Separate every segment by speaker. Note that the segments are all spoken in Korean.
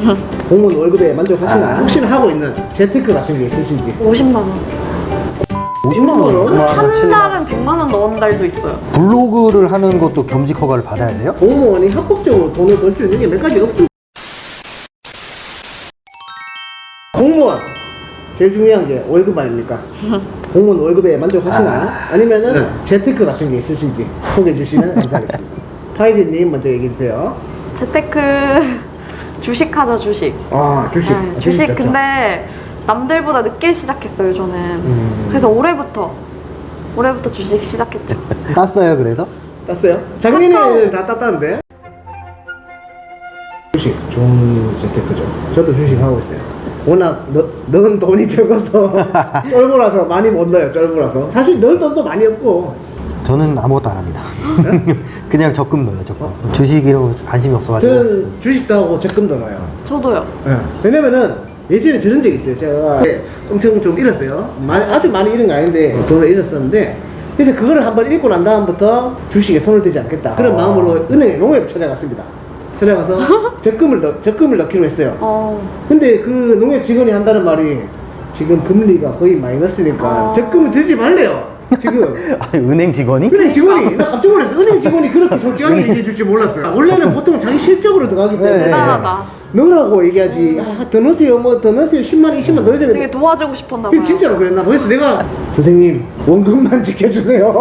Speaker 1: 공무원 월급에 만족하시나요? 혹시나 하고 있는 재테크 같은 게 있으신지?
Speaker 2: 50만 원.
Speaker 3: 50만 원?
Speaker 2: 한 달은 100만 원 넣은 달도 있어요.
Speaker 3: 블로그를 하는 것도 겸직 허가를 받아야 돼요?
Speaker 1: 공무원이 합법적으로 돈을 벌 수 있는 게 몇 가지 없습니다. 공무원 제일 중요한 게 월급 아닙니까? 공무원 월급에 만족하시나요? 아니면은 재테크 같은 게 있으신지 소개해 주시면 감사하겠습니다. 파이리님 먼저 얘기해 주세요.
Speaker 2: 재테크 주식하죠, 주식.
Speaker 1: 아 주식.
Speaker 2: 네, 주식
Speaker 1: 좋죠.
Speaker 2: 근데 남들보다 늦게 시작했어요, 저는. 그래서 올해부터 주식 시작했죠.
Speaker 3: 땄어요 그래서?
Speaker 1: 땄어요? 작년에는 다 땄다는데? 주식 좋은 재테크죠. 저도 주식 하고 있어요. 워낙 넣은 돈이 적어서 쫄보라서 많이 못 넣어요. 쫄보라서 사실 넣을 돈도 많이 없고.
Speaker 3: 저는 아무것도 안 합니다. 그냥 적금 넣어요 적금. 주식 이런 거 관심이 없어가지고.
Speaker 1: 저는 주식도 하고 적금도 넣어요.
Speaker 2: 저도요.
Speaker 1: 네. 왜냐면은 예전에 저런 적이 있어요. 제가 엄청 좀 잃었어요. 아주 많이 잃은 거 아닌데 돈을 잃었었는데, 그래서 그거를 한번 잃고 난 다음부터 주식에 손을 대지 않겠다 그런 마음으로 은행에 농협에 찾아갔습니다. 찾아가서 적금을 넣기로 했어요. 근데 그 농협 직원이 한다는 말이 지금 금리가 거의 마이너스니까 적금을 들지 말래요. 지금
Speaker 3: 아니, 은행 직원이?
Speaker 1: 은행 직원이 나 깜짝 놀랐어. 은행 직원이 그렇게 솔직하게 얘기해 줄 줄 몰랐어요. 원래는 보통 자기 실적으로 들어가기 때문에
Speaker 3: 네.
Speaker 2: 대단하다.
Speaker 1: 넣으라고 얘기하지. 더 넣으세요, 뭐 더 넣으세요, 10만, 20만 넣으세요.
Speaker 2: 되게 도와주고 싶었나 봐요.
Speaker 1: 진짜로 그랬나 봐. 그래서 내가 선생님 원금만 지켜주세요.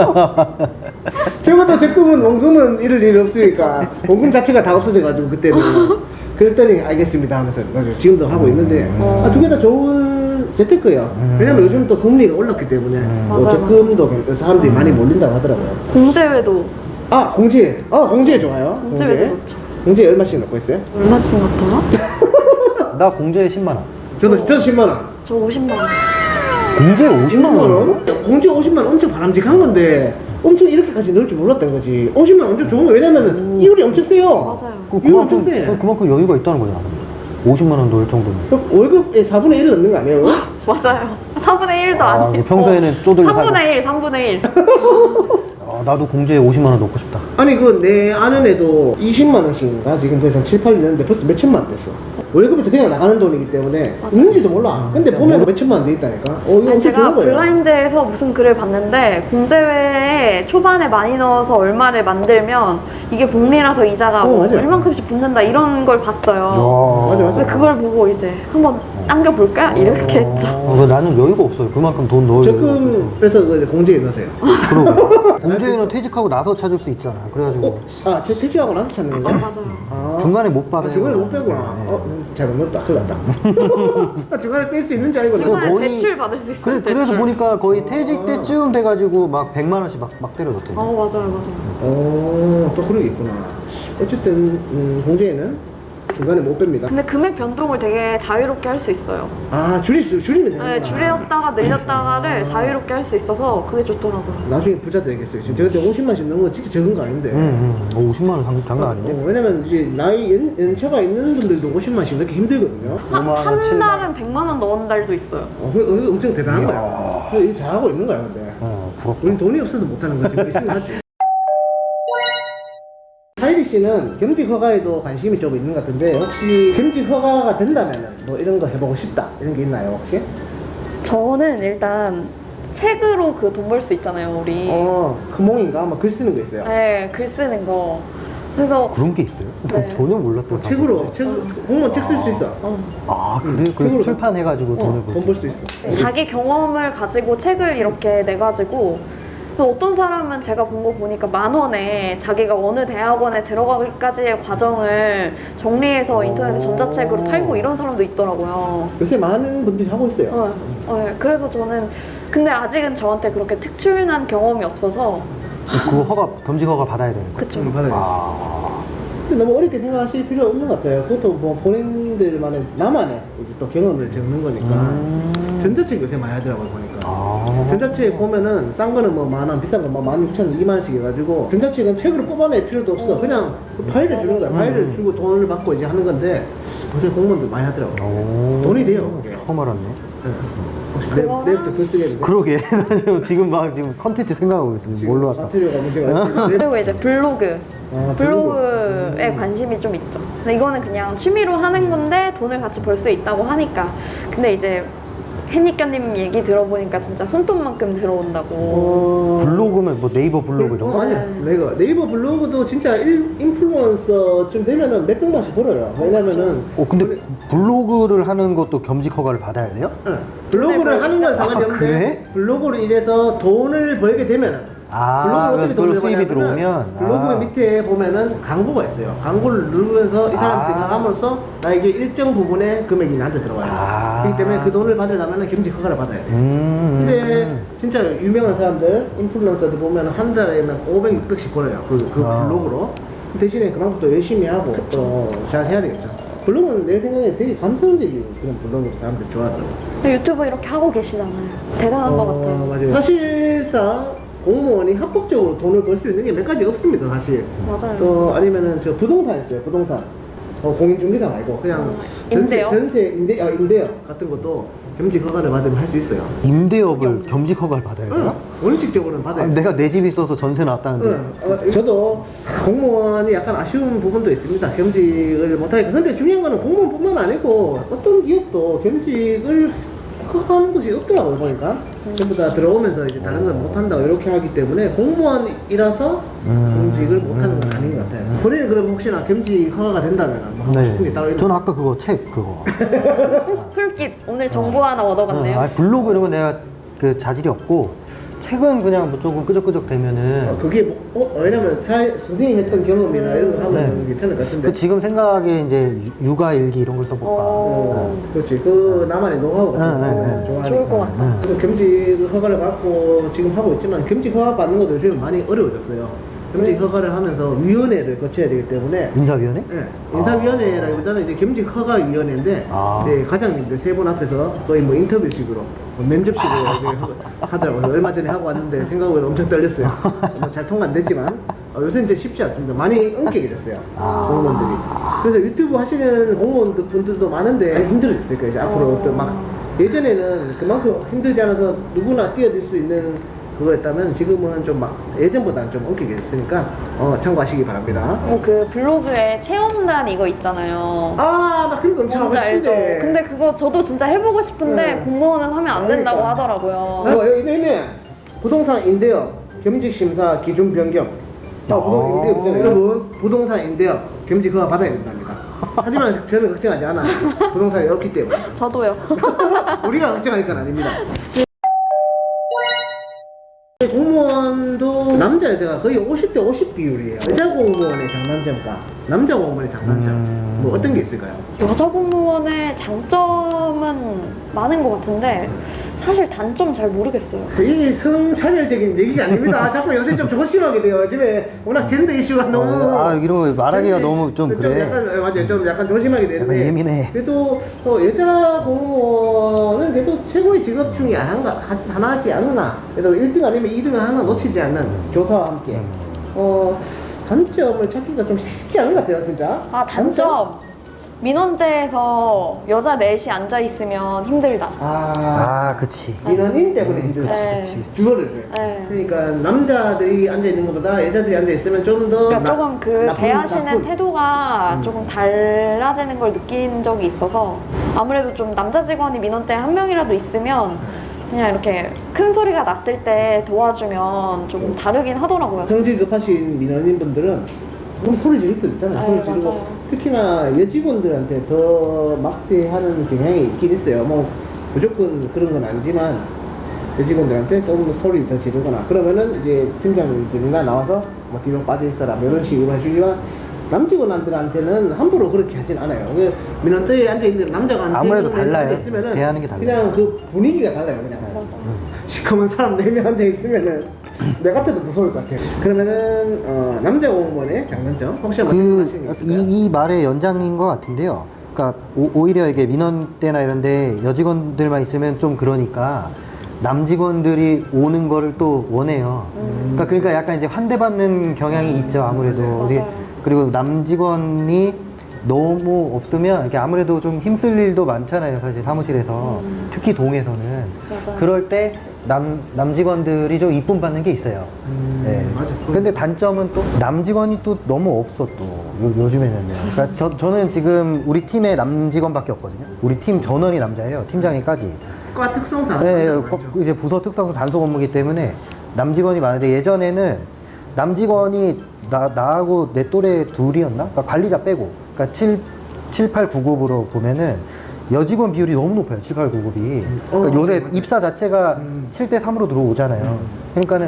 Speaker 1: 저보다 적금은 원금은 잃을 일 없으니까 원금 자체가 다 없어져가지고 그때는 그랬더니 알겠습니다 하면서 맞아요. 지금도 하고 있는데 두 개 다 좋은 재테크예요. 왜냐면 요즘 또 금리가 올랐기 때문에 뭐
Speaker 2: 맞아요,
Speaker 1: 적금도 사람들이 많이 몰린다고 하더라고요.
Speaker 2: 공제회도
Speaker 1: 공제 좋아요.
Speaker 2: 공제회도 넣죠.
Speaker 1: 공제 얼마씩 넣고 있어요?
Speaker 2: 얼마씩 넣었더라?
Speaker 3: 나 공제 10만 원.
Speaker 1: 저도 10만 원.
Speaker 2: 저 50만 원.
Speaker 3: 공제 50만 원?
Speaker 1: 공제 50만 원 엄청 바람직한 건데 엄청 이렇게까지 넣을 줄 몰랐던 거지. 50만 원 엄청 좋은 거. 왜냐면은 이율이 엄청 세요.
Speaker 2: 맞아요.
Speaker 1: 이율 엄청 세.
Speaker 3: 그만큼 여유가 있다는 거잖아. 50만 원 넣을 정도면.
Speaker 1: 월급의 4분의 1을 넣는 거 아니에요?
Speaker 2: 맞아요. 3분의 1도 아니에요.
Speaker 3: 평소에는 쪼들려 살고.
Speaker 2: 3분의 1, 3분의 1.
Speaker 3: 나도 공제에 50만 원 넣고 싶다.
Speaker 1: 아니 그 내 아는 애도 20만 원씩인가 지금 벌써 7, 8년 됐는데 벌써 몇 천만 원 됐어. 월급에서 그냥 나가는 돈이기 때문에 있는지도 몰라. 근데 보면 몇 천만 원 돼 있다니까. 이거 엄청
Speaker 2: 제가
Speaker 1: 좋은 거예요.
Speaker 2: 블라인드에서 무슨 글을 봤는데 공제회에 초반에 많이 넣어서 얼마를 만들면 이게 복리라서 이자가 뭐
Speaker 1: 맞아요.
Speaker 2: 얼만큼씩 붙는다 이런 걸 봤어요.
Speaker 1: 맞아.
Speaker 2: 근데 그걸 보고 이제 한번 당겨볼까? 이렇게 했죠.
Speaker 3: 나는 여유가 없어요. 그만큼 돈 넣을 여유가
Speaker 1: 적금
Speaker 3: 없어서.
Speaker 1: 빼서 그 공제에 넣으세요.
Speaker 3: 그러고 공제는 퇴직하고 나서 찾을 수 있잖아. 그래가지고
Speaker 1: 저 퇴직하고 나서 찾는 건가요?
Speaker 2: 맞아요.
Speaker 3: 중간에 못 받아요.
Speaker 1: 중간에 못 빼구나. 잘못 넣었다. 큰일 났다. 중간에 뺄 수 있는지 알고
Speaker 2: 중간에
Speaker 3: 거의-
Speaker 2: 대출 받을 수 있어요.
Speaker 3: 그래서
Speaker 2: 대출.
Speaker 3: 보니까 거의 퇴직 때쯤 돼가지고 막 100만 원씩 막 때려줬던데.
Speaker 2: 맞아요.
Speaker 1: 또 그런 게 있구나. 어쨌든 공제에는 중간에 못 뺍니다.
Speaker 2: 근데 금액 변동을 되게 자유롭게 할 수 있어요.
Speaker 1: 줄이면 되는구나.
Speaker 2: 네, 줄였다가 늘렸다가를 자유롭게 할 수 있어서 그게 좋더라고요.
Speaker 1: 나중에 부자 되겠어요. 지금 제가 그때 50만씩 넣은 건 진짜 적은 거 아닌데.
Speaker 3: 50만 원 장난 아닌데?
Speaker 1: 왜냐면 이제 나이 연차가 있는 분들도 50만씩 넣기 힘들거든요.
Speaker 3: 5만 원,
Speaker 2: 한
Speaker 3: 7만 원.
Speaker 2: 달은 100만 원 넣은 달도 있어요.
Speaker 1: 엄청 대단한 거야. 이거 잘하고 있는 거야, 근데.
Speaker 3: 부럽다.
Speaker 1: 우린 돈이 없어서 못하는 거지. 뭐 있으면 하지. 하이리 씨는 겸직 허가에도 관심이 좀 있는 것 같은데 혹시 겸직 허가가 된다면 뭐 이런 거 해보고 싶다 이런 게 있나요 혹시?
Speaker 2: 저는 일단 책으로 그 돈 벌 수 있잖아요, 우리.
Speaker 1: 금홍인가? 막 글 쓰는 거 있어요.
Speaker 2: 네, 글 쓰는 거. 그래서
Speaker 3: 그런 게 있어요?
Speaker 2: 네.
Speaker 3: 난 전혀 몰랐던 사실.
Speaker 1: 책으로 공무원 책 쓸 수 있어.
Speaker 3: 그래?
Speaker 1: 책으로
Speaker 3: 그래 출판해가지고 돈을 벌
Speaker 1: 돈 벌 수 있어.
Speaker 2: 자기 경험을 가지고 책을 이렇게 내가지고 그래서 어떤 사람은 제가 본 거 보니까 10,000원에 자기가 어느 대학원에 들어가기까지의 과정을 정리해서 인터넷에 전자책으로 팔고 이런 사람도 있더라고요.
Speaker 1: 요새 많은 분들이 하고 있어요.
Speaker 2: 그래서 저는 근데 아직은 저한테 그렇게 특출난 경험이 없어서
Speaker 3: 그 겸직 허가 받아야 되는 거야?
Speaker 2: 그쵸.
Speaker 1: 받아야지. 근데 너무 어렵게 생각하실 필요 없는 것 같아요. 그것도 뭐 본인들만의 나만의 이제 또 경험을 적는 거니까. 전자책 요새 많이 하더라고요 보니까. 전자책 보면은 싼 거는 뭐 10,000원, 비싼 거 뭐 16,000원, 20,000원씩 해가지고 전자책은 책으로 뽑아낼 필요도 없어. 그냥 그 파일을 주는 거야. 파일을 주고 돈을 받고 이제 하는 건데 요새 공무원들 많이 하더라고요. 돈이 돼요 그게.
Speaker 3: 처음 알았네.
Speaker 1: 혹시
Speaker 2: 그거랑-
Speaker 1: 내일부터 글 쓰겠는데?
Speaker 3: 그러게. 나 지금 컨텐츠 생각하고 있습니다. 뭘로 할까?
Speaker 1: 마테리얼가 문제가 있는데
Speaker 2: 그리고 이제 블로그
Speaker 1: 아,
Speaker 2: 블로그에 관심이 좀 있죠. 근데 이거는 그냥 취미로 하는 건데 돈을 같이 벌 수 있다고 하니까. 근데 이제 햇니껴님 얘기 들어보니까 진짜 손톱만큼 들어온다고.
Speaker 3: 블로그면 뭐 네이버 블로그 이런 거?
Speaker 1: 아니야. 네이버 블로그도 진짜 인플루언서쯤 되면은 몇 백만씩 벌어요. 왜냐면은
Speaker 3: 근데 블로그를 하는 것도 겸직 허가를 받아야 돼요?
Speaker 1: 응. 블로그를 하는 건 상관이
Speaker 3: 아,
Speaker 1: 없는데
Speaker 3: 그래?
Speaker 1: 블로그로 인해서 돈을 벌게 되면은
Speaker 3: 그래서 그걸로 수입이 들어오면
Speaker 1: 블로그 밑에 보면은 광고가 있어요. 광고를 누르면서 이 사람 등록함으로써 나에게 일정 부분의 금액이 나한테 들어와요. 그렇기 때문에 그 돈을 받으려면 겸직 허가를 받아야 돼요. 근데 진짜 유명한 사람들, 인플루언서들 보면 한 달에 막 500, 600씩 벌어요. 그 블로그로. 대신에 그만큼 또 열심히 하고 또 잘 해야 되겠죠. 블로그는 내 생각에 되게 감성적인 그런 블로그를 사람들이 좋아하더라고요.
Speaker 2: 유튜브 이렇게 하고 계시잖아요. 대단한 것 같아요.
Speaker 1: 맞아요. 사실상 공무원이 합법적으로 돈을 벌 수 있는 게 몇 가지 없습니다, 사실.
Speaker 2: 맞아요.
Speaker 1: 또 아니면은 저 부동산 있어요, 부동산. 공인중개사 말고 그냥
Speaker 2: 임대요?
Speaker 1: 임대업 같은 것도 겸직 허가를 받으면 할 수 있어요.
Speaker 3: 임대업을 겸직 허가를 받아야 돼요?
Speaker 1: 원칙적으로는 받아요.
Speaker 3: 내가 내 집 있어서 전세 나왔다는데.
Speaker 1: 저도 공무원이 약간 아쉬운 부분도 있습니다. 겸직을 못하니까. 근데 중요한 거는 공무원뿐만 아니고 어떤 기업도 겸직을 하는 곳이 없더라고요, 보니까. 전부 다 들어오면서 이제 다른 걸 못한다고 이렇게 하기 때문에 공무원이라서 겸직을 못하는 건 아닌 것 같아요. 본인은 그럼 혹시나 겸직 허가가 된다면 뭐 하고 싶은 게 따로 있나요?
Speaker 3: 저는 아까 그거 책 그거.
Speaker 2: 술깃 오늘 정보 하나 얻어갔네요.
Speaker 3: 블로그 이런 거 내가 그 자질이 없고 책은 그냥 뭐 조금 끄적끄적 되면은
Speaker 1: 그게 왜냐면 선생님 했던 경험이나 이런 거 하면 괜찮을 것 같은데.
Speaker 3: 그 지금 생각에 이제 육아 일기 이런 걸 써볼까.
Speaker 1: 그렇지. 그 나만의 노하우가 좋아하니까.
Speaker 2: 좋을 것 같다.
Speaker 1: 그래서 겸직 허가를 받고 지금 하고 있지만 겸직 허가 받는 것도 요즘 많이 어려워졌어요. 겸직 허가를 하면서 위원회를 거쳐야 되기 때문에.
Speaker 3: 인사위원회?
Speaker 1: 네. 인사위원회라기보다는 이제 겸직 허가 위원회인데 이제 과장님들 세 분 앞에서 거의 뭐 인터뷰식으로 뭐 면접식으로 이렇게 하더라고요. 얼마 전에 하고 왔는데 생각보다 엄청 떨렸어요. 잘 통과 안 됐지만 요새는 진짜 쉽지 않습니다. 많이 엉키게 됐어요. 공무원들이. 그래서 유튜브 하시는 공무원 분들도 많은데 많이 힘들어졌을 거예요. 이제 앞으로 또 막 예전에는 그만큼 힘들지 않아서 누구나 뛰어들 수 있는 그거였다면 지금은 좀 막 예전보다는 좀 엉키게 됐으니까 참고하시기 바랍니다.
Speaker 2: 그 블로그에 체험단 이거 있잖아요.
Speaker 1: 나 그런 거 엄청 하고
Speaker 2: 뭔지 알죠?
Speaker 1: 싶은데.
Speaker 2: 근데 그거 저도 진짜 해보고 싶은데 공무원은 하면 안 된다고
Speaker 1: 그러니까.
Speaker 2: 하더라고요.
Speaker 1: 여기 있네. 부동산 임대업 겸직 심사 기준 변경. 부동산 임대업 있잖아요. 여러분 부동산 임대업 겸직 허가 받아야 된답니다. 하지만 저는 걱정하지 않아요. 부동산이 없기 때문에.
Speaker 2: 저도요.
Speaker 1: 우리가 걱정할 건 아닙니다. 공무원도 남자 여자가 거의 50대 50 비율이에요. 여자 공무원의 장단점과 남자 공무원의 장단점 뭐 어떤 게 있을까요?
Speaker 2: 여자 공무원의 장점은 많은 것 같은데 사실 단점 잘 모르겠어요.
Speaker 1: 이 성차별적인 얘기가 아닙니다. 자꾸 요새 좀 조심하게 돼요. 요즘에 워낙 젠더 이슈가 너무
Speaker 3: 이런 거 말하기가 너무 좀 그래.
Speaker 1: 약간 맞아요. 좀 약간 조심하게 되는데.
Speaker 3: 약간 예민해.
Speaker 1: 그래도 여자 공무원은 그래도 최고의 직업 중에 하나지 않나. 그래도 1등 아니면 2등을 항상 놓치지 않는 교사와 함께. 단점을 찾기가 좀 쉽지 않은 것 같아요, 진짜.
Speaker 2: 단점. 민원대에서 여자 넷이 앉아있으면 힘들다.
Speaker 3: 그치.
Speaker 1: 민원인 때문에 힘들지.
Speaker 2: 그치.
Speaker 1: 주어를 줘요.
Speaker 2: 네.
Speaker 1: 그러니까 남자들이 앉아있는 것보다 여자들이 앉아있으면 좀 더
Speaker 2: 그러니까 조금 대하시는 태도가 조금 달라지는 걸 느낀 적이 있어서 아무래도 좀 남자 직원이 민원대 한 명이라도 있으면 그냥 이렇게 큰 소리가 났을 때 도와주면 조금 다르긴 하더라고요.
Speaker 1: 성질 급하신 민원인분들은 너무 소리 지를 때 있잖아요. 소리 지르고
Speaker 2: 맞아요.
Speaker 1: 특히나 여직원들한테 더 막대하는 경향이 있긴 있어요. 뭐 무조건 그런 건 아니지만 여직원들한테 너무 소리 더 지르거나 그러면은 이제 팀장님들이나 나와서 뭐 뒤로 빠져 있어라 뭐 이런 식으로 해주지만 남직원들한테는 함부로 그렇게 하진 않아요. 민원대에 앉아있는 남자가 한
Speaker 3: 아무래도
Speaker 1: 3명
Speaker 3: 달라요.
Speaker 1: 앉아있으면은
Speaker 3: 대하는 게 달라요.
Speaker 1: 그냥 그 분위기가 달라요. 그냥 시커먼 사람 4명 앉아있으면은 내 같아도 무서울 것 같아요. 그러면은 남자 공무원의 장단점 혹시 한번 생각하시는 게 있을까요?
Speaker 3: 이 말의 연장인 것 같은데요. 그러니까 오히려 이게 민원 때나 이런데 여직원들만 있으면 좀 그러니까 남직원들이 오는 거를 또 원해요. 그러니까 약간 이제 환대받는 경향이 있죠. 아무래도
Speaker 2: 맞아요.
Speaker 3: 그리고 남직원이 너무 없으면 이게 아무래도 좀 힘쓸 일도 많잖아요. 사실 사무실에서 특히 동에서는
Speaker 2: 맞아요.
Speaker 3: 그럴 때 남직원들이 좀 이쁨 받는 게 있어요. 네.
Speaker 1: 맞아.
Speaker 3: 근데 단점은 또 남직원이 또 너무 없어 또 요즘에는요. 그러니까 저는 지금 우리 팀에 남직원밖에 없거든요. 우리 팀 전원이 남자예요. 팀장님까지.
Speaker 1: 과 특성상
Speaker 3: 네,
Speaker 1: 많죠.
Speaker 3: 이제 부서 특성상 단속 업무이기 때문에 남직원이 많은데 예전에는 남직원이 나하고 내 또래 둘이었나? 그러니까 관리자 빼고. 그러니까 7, 8, 9급으로 보면은 여직원 비율이 너무 높아요. 7, 8, 9급이. 그러니까 요새
Speaker 1: 맞아.
Speaker 3: 입사 자체가 7대 3으로 들어오잖아요. 그러니까는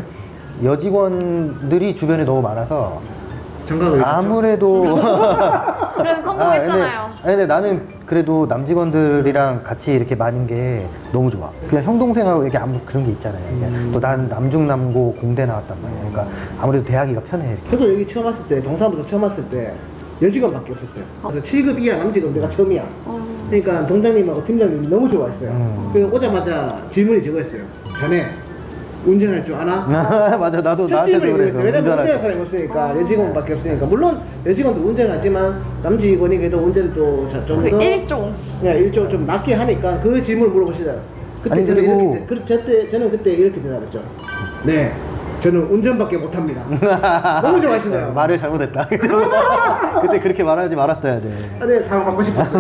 Speaker 3: 여직원들이 주변에 너무 많아서
Speaker 1: 장가가
Speaker 3: 아무래도
Speaker 2: 그래서 성공했잖아요.
Speaker 3: 근데 나는 그래도 남직원들이랑 같이 이렇게 많은 게 너무 좋아. 그냥 형 동생하고 이렇게 아무 그런 게 있잖아요. 또 난 남중남고 공대 나왔단 말이야. 그러니까 아무래도 대하기가 편해 이렇게.
Speaker 1: 저도 여기 처음 왔을 때 동사무소 처음 왔을 때 여직원밖에 없었어요. 그래서 7급 이하 남직원 내가 처음이야. 그러니까 동장님하고 팀장님이 너무 좋아했어요. 그래서 오자마자 질문이 저거였어요. 자네 운전할 줄 아나?
Speaker 3: 맞아, 나도
Speaker 1: 첫
Speaker 3: 나한테도
Speaker 1: 질문이
Speaker 3: 그랬어.
Speaker 1: 그랬어요. 왜냐면
Speaker 3: 운전할
Speaker 1: 운전할
Speaker 3: 때.
Speaker 1: 사람이 없으니까 여직원밖에 없으니까 물론 여직원도 운전하지만 남직원이 그래도 운전도
Speaker 2: 그
Speaker 1: 좀더
Speaker 2: 일종.
Speaker 1: 그냥 일종 좀 낮게 하니까 그 질문을 물어보시잖아요. 그때
Speaker 3: 아니,
Speaker 1: 저는
Speaker 3: 그리고-
Speaker 1: 저는 그때 이렇게 대답했죠. 네, 저는 운전밖에 못합니다. 너무 좋아하시네요.
Speaker 3: 말을 잘못했다. 그때 그렇게 말하지 말았어야 돼.
Speaker 1: 네, 사랑 받고 싶었어요.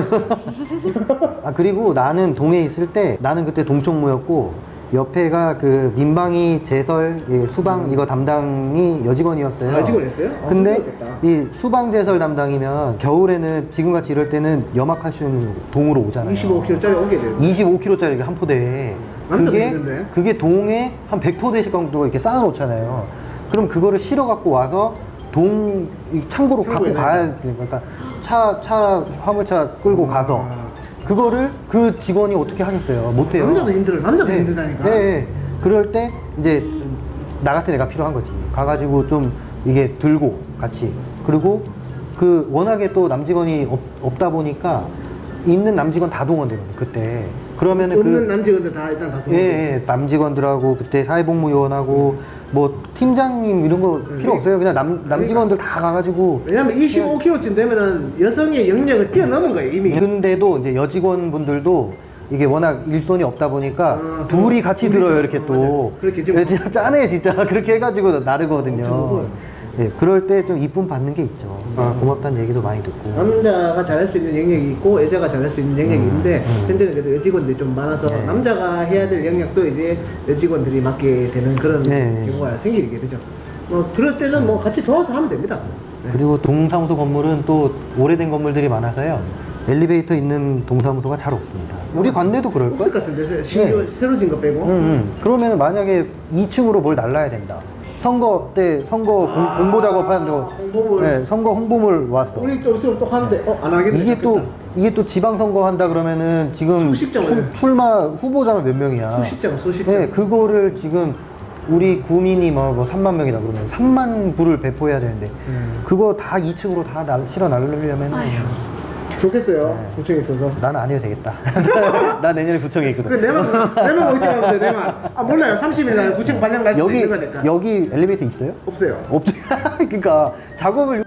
Speaker 3: 아 그리고 나는 동해 있을 때 나는 그때 동총무였고 옆에가 그 민방위 제설 수방 이거 담당이 여직원이었어요.
Speaker 1: 아, 여직원이었어요?
Speaker 3: 근데
Speaker 1: 힘들었겠다.
Speaker 3: 이 수방 제설 담당이면 겨울에는 지금같이 이럴 때는 염화칼슘 동으로 오잖아요.
Speaker 1: 25kg짜리 오게 돼요.
Speaker 3: 25kg짜리 한 포대에
Speaker 1: 완전 힘든데?
Speaker 3: 그게 동에 한 100포대씩 정도 이렇게 쌓아놓잖아요. 그럼 그거를 실어 갖고 와서 이 창고로 갖고
Speaker 1: 창고에
Speaker 3: 가야 되니까 그러니까 차 화물차 끌고 가서 그거를 그 직원이 어떻게 하겠어요? 못해요.
Speaker 1: 남자도 힘들어요. 남자도
Speaker 3: 네.
Speaker 1: 힘들다니까.
Speaker 3: 네. 그럴 때 이제 나 같은 애가 필요한 거지. 가가지고 좀 이게 들고 같이. 그리고 그 워낙에 또 남직원이 없다 보니까 있는 남직원 다 동원되거든요. 그때. 그러면은
Speaker 1: 없는 남직원들 다 일단 다
Speaker 3: 예, 예, 남직원들하고 그때 사회복무요원하고 뭐 팀장님 이런 거 필요 없어요. 그냥 남직원들 다 가가지고.
Speaker 1: 왜냐면 25kg쯤 되면은 여성의 영역을 뛰어넘은 거예요 이미.
Speaker 3: 근데도 이제 여직원분들도 이게 워낙 일손이 없다 보니까 둘이 같이
Speaker 1: 둘이서.
Speaker 3: 들어요 이렇게 또.
Speaker 1: 맞아요. 그렇게 좀-
Speaker 3: 예, 진짜 짜네 진짜 그렇게 해가지고
Speaker 1: 엄청
Speaker 3: 나르거든요.
Speaker 1: 무서워요.
Speaker 3: 예, 그럴 때 좀 이쁨 받는 게 있죠. 아, 고맙다는 얘기도 많이 듣고.
Speaker 1: 남자가 잘할 수 있는 영역이 있고 여자가 잘할 수 있는 영역이 있는데 현재는 그래도 여직원들이 좀 많아서
Speaker 3: 네.
Speaker 1: 남자가 해야 될 영역도 이제 여직원들이 맡게 되는 그런
Speaker 3: 네.
Speaker 1: 경우가 생기게 되죠. 뭐 그럴 때는 뭐 같이 도와서 하면 됩니다. 네.
Speaker 3: 그리고 동사무소 건물은 또 오래된 건물들이 많아서요. 엘리베이터 있는 동사무소가 잘 없습니다. 우리 관내도
Speaker 1: 없을
Speaker 3: 그럴걸?
Speaker 1: 것 같은데 신규 새로 진 거 빼고.
Speaker 3: 그러면 만약에 2층으로 뭘 날라야 된다. 선거 때 선거 공보 작업하는 거,
Speaker 1: 홍보물.
Speaker 3: 네, 선거 홍보물 왔어.
Speaker 1: 우리 좀 있으면 또 하는데 안 하겠네.
Speaker 3: 이게 또 지방 선거 한다 그러면은 지금
Speaker 1: 수십 장을.
Speaker 3: 출마 후보자만 몇 명이야.
Speaker 1: 수십 장.
Speaker 3: 네, 그거를 지금 우리 구민이 뭐 3만 명이다 그러면 3만 부를 배포해야 되는데 그거 다 2층으로 다 실어 날리려면
Speaker 1: 좋겠어요. 구청에 있어서.
Speaker 3: 나는 안 해도 되겠다. 나 내년에 구청에 있거든.
Speaker 1: 그 내만 오지 가면 돼. 내만. 아 몰라요. 30일 날 구청 발령 날 수도 있는 거니까.
Speaker 3: 여기 엘리베이터 있어요?
Speaker 1: 없어요.
Speaker 3: 그러니까 작업을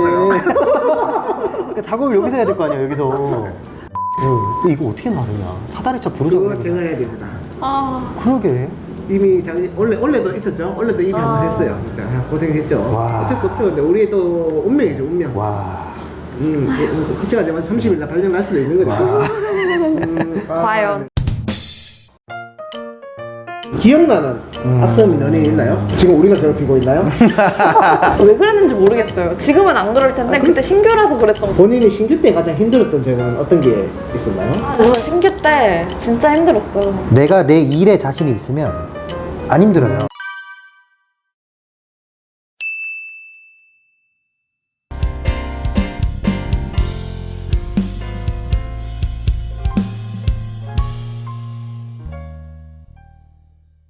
Speaker 3: 그러니까 작업을 여기서 해야 될 거 아니야 여기서. 이거 어떻게 나르냐? 사다리차
Speaker 1: 그거
Speaker 3: 부르자고.
Speaker 1: 제가 해야 됩니다.
Speaker 2: 아,
Speaker 3: 그러게.
Speaker 1: 이미 원래도 있었죠. 원래도 이미 한번 했어요. 진짜 고생했죠.
Speaker 3: 와.
Speaker 1: 어쩔 수 없죠. 근데 우리의 또 운명이죠. 운명.
Speaker 3: 와.
Speaker 1: 그치가 되면 30일 날 발령 날 수도 있는 거죠.
Speaker 2: 과연.
Speaker 1: 기억나는 악성 민원이 있나요? 지금 우리가 괴롭히고 있나요?
Speaker 2: 왜 그랬는지 모르겠어요. 지금은 안 그럴 텐데 그때 신규라서 그랬던 거.
Speaker 1: 본인이 신규 때 가장 힘들었던 점은 어떤 게 있었나요?
Speaker 2: 저는 신규 때 진짜 힘들었어요.
Speaker 3: 내가 내 일에 자신이 있으면 안 힘들어요.